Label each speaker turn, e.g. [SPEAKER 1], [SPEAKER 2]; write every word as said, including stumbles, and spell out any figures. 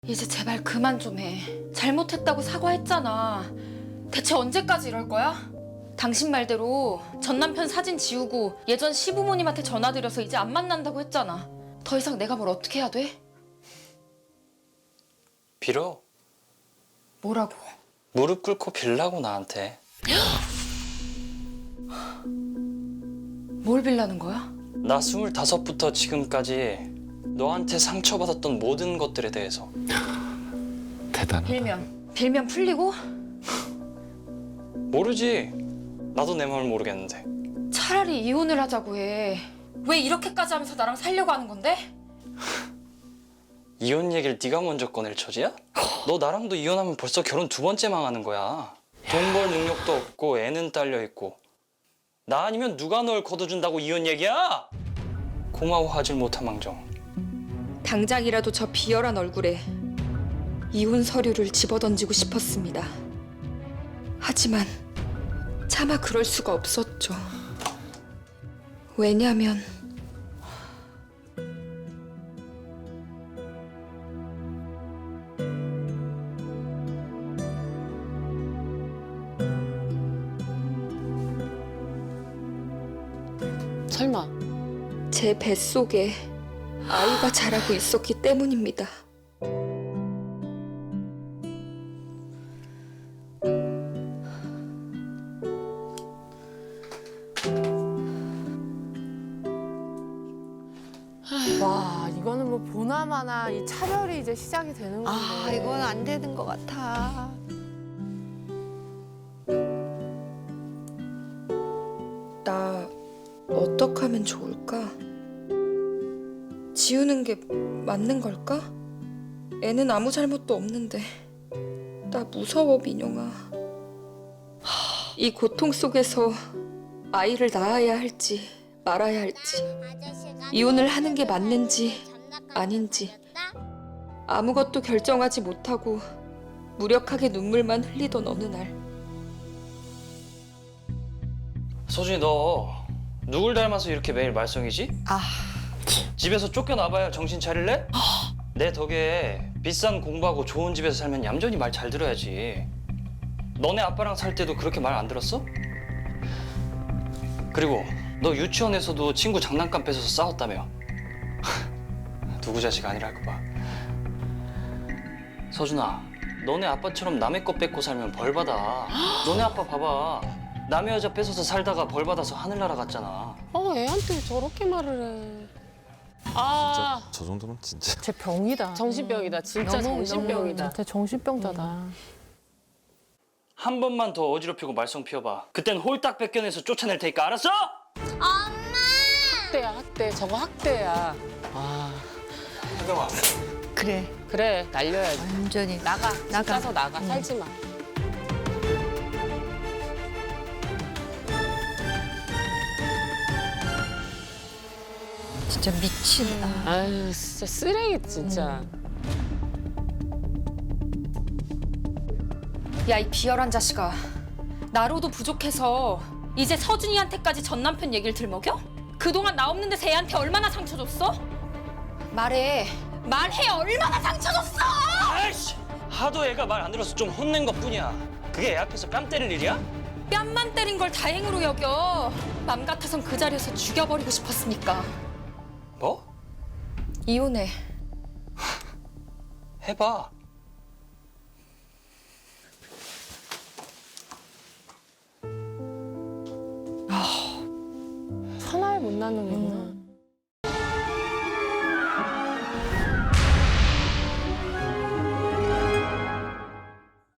[SPEAKER 1] 이제 제발 그만 좀 해. 잘못했다고 사과했잖아. 대체 언제까지 이럴 거야? 당신 말대로 전 남편 사진 지우고 예전 시부모님한테 전화드려서 이제 안 만난다고 했잖아. 더 이상 내가 뭘 어떻게 해야 돼?
[SPEAKER 2] 빌어.
[SPEAKER 1] 뭐라고?
[SPEAKER 2] 무릎 꿇고 빌라고 나한테.
[SPEAKER 1] 뭘 빌라는 거야?
[SPEAKER 2] 나 스물다섯부터 지금까지 너한테 상처받았던 모든 것들에 대해서.
[SPEAKER 3] 대단하다.
[SPEAKER 1] 빌면. 빌면 풀리고?
[SPEAKER 2] 모르지. 나도 내 마음을 모르겠는데.
[SPEAKER 1] 차라리 이혼을 하자고 해. 왜 이렇게까지 하면서 나랑 살려고 하는 건데?
[SPEAKER 2] 이혼 얘기를 네가 먼저 꺼낼 처지야? 너 나랑도 이혼하면 벌써 결혼 두 번째 망하는 거야. 돈 벌 능력도 없고 애는 딸려 있고. 나 아니면 누가 널 거둬준다고 이혼 얘기야? 고마워하질 못한 망정.
[SPEAKER 1] 당장이라도 저 비열한 얼굴에 이혼 서류를 집어던지고 싶었습니다. 하지만 차마 그럴 수가 없었죠. 왜냐면
[SPEAKER 4] 설마
[SPEAKER 1] 제 뱃속에 아이가 자라고 있었기 때문입니다.
[SPEAKER 4] 와 이거는 뭐 보나마나 이 차별이 이제 시작이 되는 건데.
[SPEAKER 5] 아, 이건 안 되는 것 같아.
[SPEAKER 1] 나 어떻게 하면 좋을까? 지우는 게 맞는 걸까? 애는 아무 잘못도 없는데 나 무서워, 민영아. 하, 이 고통 속에서 아이를 낳아야 할지 말아야 할지, 이혼을 하는 게 맞는지 아닌지 아무것도 결정하지 못하고 무력하게 눈물만 흘리던 어느 날,
[SPEAKER 2] 소진이 너 누굴 닮아서 이렇게 매일 말썽이지?
[SPEAKER 5] 아,
[SPEAKER 2] 집에서 쫓겨나봐야 정신 차릴래? 내 덕에 비싼 공부하고 좋은 집에서 살면 얌전히 말 잘 들어야지. 너네 아빠랑 살 때도 그렇게 말 안 들었어? 그리고 너 유치원에서도 친구 장난감 뺏어서 싸웠다며. 누구 자식 아니랄까 봐. 서준아, 너네 아빠처럼 남의 거 뺏고 살면 벌 받아. 너네 아빠 봐봐. 남의 여자 뺏어서 살다가 벌 받아서 하늘 날아갔잖아.
[SPEAKER 4] 어 애한테 저렇게 말을 해. 아,
[SPEAKER 3] 저 정도면 진짜.
[SPEAKER 4] 쟤 병이다. 정신병이다. 진짜
[SPEAKER 5] 너무,
[SPEAKER 4] 정신병이다. 진짜 정신병자다.
[SPEAKER 2] 한 번만 더 어지럽히고 말썽 피워봐. 그땐 홀딱 뺏겨내서 쫓아낼 테니까 알았어?
[SPEAKER 4] 학대야 학대. 저거 학대야. 아
[SPEAKER 2] 혜경아.
[SPEAKER 5] 그래.
[SPEAKER 4] 그래 날려야지.
[SPEAKER 5] 완전히 나가,
[SPEAKER 4] 집
[SPEAKER 5] 나가.
[SPEAKER 4] 가서 나가. 살지 마.
[SPEAKER 5] 진짜 미친다.
[SPEAKER 4] 아유 진짜 쓰레기 진짜.
[SPEAKER 1] 야, 이 비열한 자식아. 나로도 부족해서 이제 서준이한테까지 전 남편 얘기를 들먹여? 그동안 나 없는 데서 애한테 얼마나 상처 줬어? 말해. 말해. 얼마나 상처 줬어?
[SPEAKER 2] 아이씨! 하도 애가 말 안 들어서 좀 혼낸 것 뿐이야. 그게 애 앞에서 뺨 때릴 일이야?
[SPEAKER 1] 뺨만 때린 걸 다행으로 여겨. 맘 같아선 그 자리에서 죽여버리고 싶었으니까.
[SPEAKER 2] 뭐?
[SPEAKER 1] 이혼해.
[SPEAKER 2] 해봐.
[SPEAKER 4] 하나에 못 낳는 거구나.